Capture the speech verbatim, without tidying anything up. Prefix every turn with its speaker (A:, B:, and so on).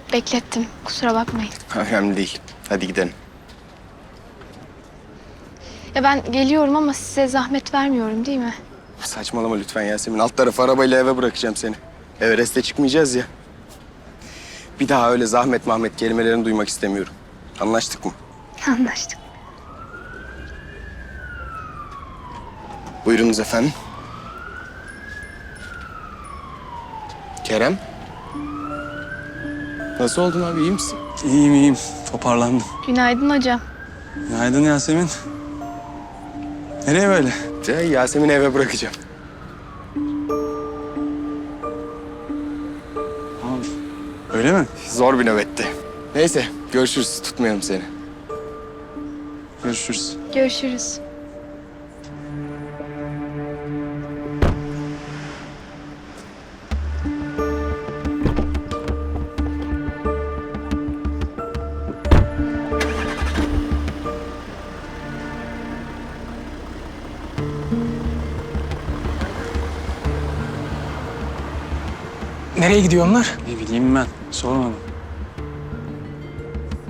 A: Beklettim. Kusura bakmayın.
B: Önemli değil. Hadi gidelim.
A: Ya ben geliyorum ama size zahmet vermiyorum değil mi?
B: Saçmalama lütfen Yasemin. Alt tarafı arabayla eve bırakacağım seni. Everest'e çıkmayacağız ya. Bir daha öyle zahmet mahmet kelimelerini duymak istemiyorum. Anlaştık mı?
A: Anlaştık.
B: Buyurunuz efendim. Kerem. Nasıl oldun abi, iyi misin?
C: İyiyim iyiyim. Toparlandım.
A: Günaydın hocam.
C: Günaydın Yasemin. Nereye böyle?
B: De, Yasemin'i eve bırakacağım.
C: Abi, öyle mi?
B: Zor bir nöbetti. Neyse, görüşürüz. Tutmayalım seni.
C: Görüşürüz.
A: Görüşürüz.
D: Nereye gidiyor onlar?
C: Ne bileyim ben. Sormadım.